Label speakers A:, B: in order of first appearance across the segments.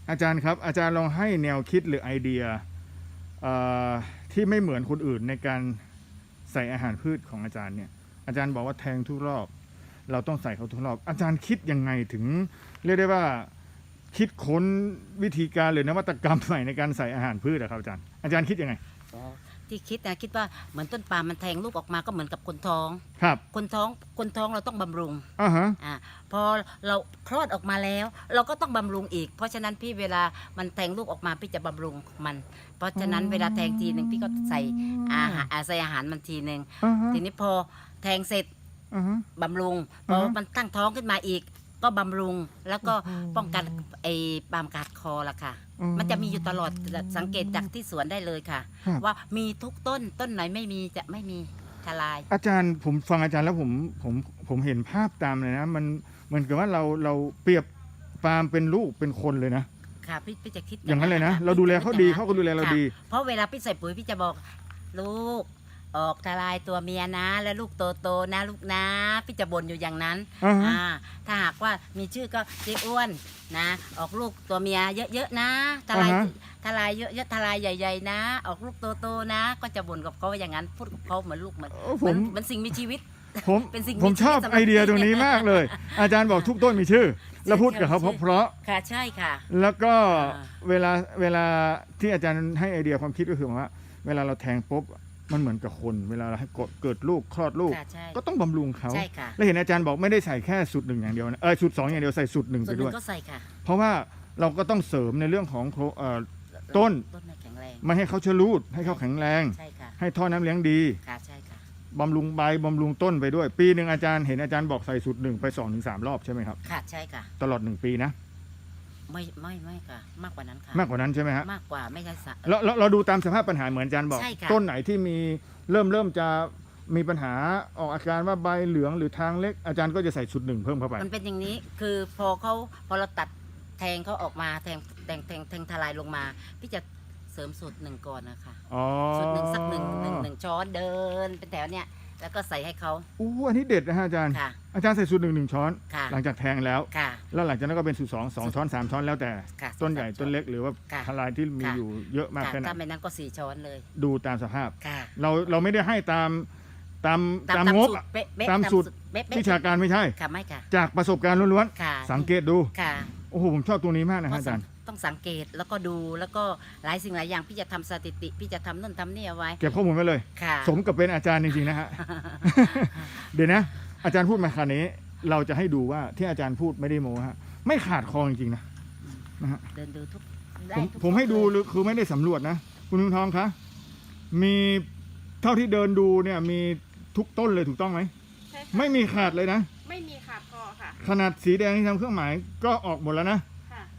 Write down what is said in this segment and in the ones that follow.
A: อาจารย์ครับอาจารย์ลองให้แนวคิดหรือไอเดียที่ไม่เหมือนคนอื่นในการใส่อาหารพืชของอาจารย์เนี่ยอาจารย์บอกว่าแทงทุกรอบเราต้องใส่เขาทุกรอบอาจารย์คิดยังไงถึงเรียกได้ว่าคิดค้นวิธีการหรือนวัตกรรมใหม่ในการใส่อาหารพืชครับอาจารย์คิดยังไง
B: ที่คิดนะคิดว่าเหมือนต้นปาล์มมันแทงลูกออกมาก็เหมือนกับคนท้อง
A: ครับ
B: คนท้องเราต้องบำรุง
A: ฮะ
B: พอเราคลอดออกมาแล้วเราก็ต้องบำรุงอีกเพราะฉะนั้นพี่เวลามันแทงลูกออกมาพี่จะบำรุงมันเพราะฉะนั้นเวลาแทงทีหนึ่งพี่ก็ใส่อาหารมันทีหนึ่งทีนี้พอแทงเสร็จบำรุงพอมันตั้งท้องขึ้นมาอีกก็บำรุงแล้วก็ป้องกันไอ้ปาล์มกัดคอละค่ะมันจะมีอยู่ตลอดสังเกตจากที่สวนได้เลยค่ะว่ามีทุกต้นไหนไม่มีจะไม่มีทลาย
A: อาจารย์ผมฟังอาจารย์แล้วผมเห็นภาพตามเลยนะมันเหมือนกับว่าเราเปรียบปาล์มเป็นลูกเป็นคนเลยนะ
B: ค่ะพี่จะคิด
A: อย่างนั้นเลยนะเราดูแลเขาดีเขาก็ดูแลเราดี
B: เพราะเวลาพี่ใส่ปุ๋ยพี่จะบอกลูกออกทลายตัวเมียนะแล้วลูกโตนะลูกนะพี่จะบ่นอยู่อย่างนั้นถ้าหากว่ามีชื่อก็เจ๊อ้วนนะออกลูกตัวเมียเยอะๆนะทลายเยอะๆทลายใหญ่ๆนะออกลูกโตๆนะก็จะบ่นกับเขาอย่างนั้นพูดกับเขาเหมือนลูกเหมือนสิ่งมีชีวิต
A: ผมชอบไอเดียตรงนี้มากเลยอาจารย์บอกทุกต้นมีชื่อแล้วพูดกับเขาเพราะ
B: ค่ะใช่ค่ะ
A: แล้วก็เวลาที่อาจารย์ให้ไอเดียความคิดก็คือว่าเวลาเราแทงปุ๊บมันเหมือนกับคนเวลาเราให้เกิดลูกคลอดลูกก็ต้องบำรุงเขาแล้วเห็นอาจารย์บอกไม่ได้ใส่แค่สูตรหนึ่งอย่างเดียวนะสูตร2อย่างเดียวใส่สูตรหนึ่งไปด้วย
B: ก็ใส่ค่ะ
A: เพราะว่าเราก็ต้องเสริมในเรื่องของต้น
B: แข็งแรง
A: ไม่ให้เขาชะลูดให้เขาแข็งแรงให้ท่อน้ำเลี้ยงดีบำรุงใบบำรุงต้นไปด้วยปีหนึ่งอาจารย์เห็นอาจารย์บอกใส่สูตร1 ไป 2-3 รอบใช่ไหมครับ
B: ค่ะใช่ค่ะ
A: ตลอด1 ปีนะ
B: ไม่ค่ะมากกว่านั้นค่ะ
A: มากกว่านั้นใช่ไหมฮะ
B: มากกว่าไม่ใช่
A: แล้วเราดูตามสภาพปัญหาเหมือนอาจารย์บอกต้นไหนที่มีเริ่มจะมีปัญหาออกอาการว่าใบเหลืองหรือทางเล็กอาจารย์ก็จะใส่สูตร1เพิ่มเข้าไป
B: มันเป็นอย่างนี้คือพอเราตัดแทงเขาออกมาแทงทลายลงมาพี่จะเสริมสูตร1ก่อนนะคะสูตร1สักหนึ่งช้อนเดินเป็นแถวเนี้ยแล้วก็ใส่ให้เขา
A: อันนี้เด็ดนะฮะอาจารย์อาจารย์ใส่สูตร1ช้อนหลังจากแทงแล้วแล้วหลังจากนั้นก็เป็นสูตร2ช้อน3ช้อนแล้วแต่ต้นใหญ่ต้นเล็กหรือว่าทลายที่มีอยู่เยอะมากแค่ไหน
B: ถ้าไม่นั้นก็4ช้อนเลย
A: ดูตามสภาพเราไม่ได้ให้ตามงบตามสูตรวิชาการไม่ใช่จากประสบการณ์ล้วนๆสังเกตดูโอ้โหผมชอบตัวนี้มากนะอาจารย์
B: ต้องสังเกตแล้วก็ดูแล้วก็หลายสิ่งหลายอย่างพี่จะทำสถิติพี่จะทำนู่นทำนี่เอาไว้
A: เก็บข้อมูลไว้เลยสมกับเป็นอาจารย์จริงๆนะฮะ เดี๋ยวนะอาจารย์พูดมาขนาดนี้เราจะให้ดูว่าที่อาจารย์พูดไม่ได้โม้ฮะไม่ขาดคอจริงๆนะฮะ
B: เดินดูทุก
A: ผมให้ดูคือไม่ได้สำรวจนะคุณลุงทองคะมีเท่าที่เดินดูเนี่ยมีทุกต้นเลยถูกต้องไหม
C: ใช่ค่ะ
A: ไม่มีขาดเลยนะ
C: ไม่มีขาดคอค่ะ
A: ขนาดสีแดงที่ทำเครื่องหมายก็ออกหมดแล้วนะ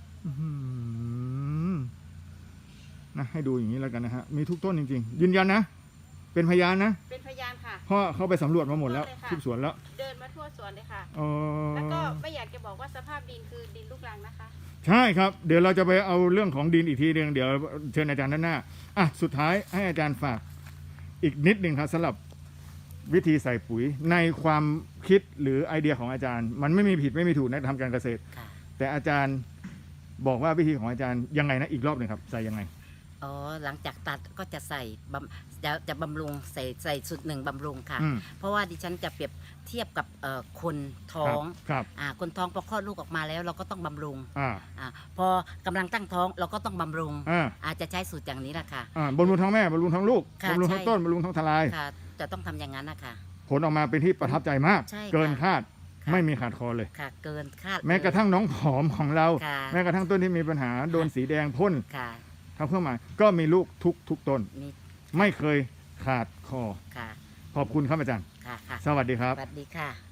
A: นะให้ดูอย่างนี้แล้วกันนะฮะมีทุกต้นจริงๆยืนยันนะเป็นพยานนะ
C: เป็นพยานค่ะ
A: เพราะเขาไปสำรวจมาหมดแล้วทุกสวนแล้ว
C: เดินมาทั่วสวนเลยค่ะแล้วก็ไม่อยากจะบอกว่าสภาพดินคือดินลูกรังนะคะ
A: ใช่ครับเดี๋ยวเราจะไปเอาเรื่องของดินอีกทีนึงเดี๋ยวเชิญอาจารย์ด้านหน้าสุดท้ายให้อาจารย์ฝากอีกนิดนึงครับสำหรับวิธีใส่ปุ๋ยในความคิดหรือไอเดียของอาจารย์มันไม่มีผิดไม่มีถูกในทำการเกษตรแต่อาจารย์บอกว่าวิธีของอาจารย์ยังไงนะอีกรอบหนึ่งครับใส่ยังไง
B: หลังจากตัดก็จะใส่จะบำรุงใส่สูตร1บำรุงค่ะเพราะว่าดิฉันจะเปรียบเทียบกับคนท้องคนท้องพอคลอดลูกออกมาแล้วเราก็ต้องบำรุงพอกำลังตั้งท้องเราก็ต้องบำรุงอาจจะใช้สูตรอย่างนี้แหละค่ะ
A: บำรุงท้องแม่บำรุงท้องลูกบำรุงท้องต้นบำรุงท้องทลาย
B: จะต้องทำอย่างนั้นนะคะ
A: ผลออกมาเป็นที่ประทับใจมากเกินคาดไม่มีขาดคอเลย
B: เกินคาด
A: แม้กระทั่งน้องผอมของเราแม้กระทั่งต้นที่มีปัญหาโดนสีแดงพ่นทำเครื่องหมายก็มีลูกทุกต้นไม่เคยขาดคอขอบคุณครับอาจารย์สวัสดีครับ
B: สวัสดีค่ะ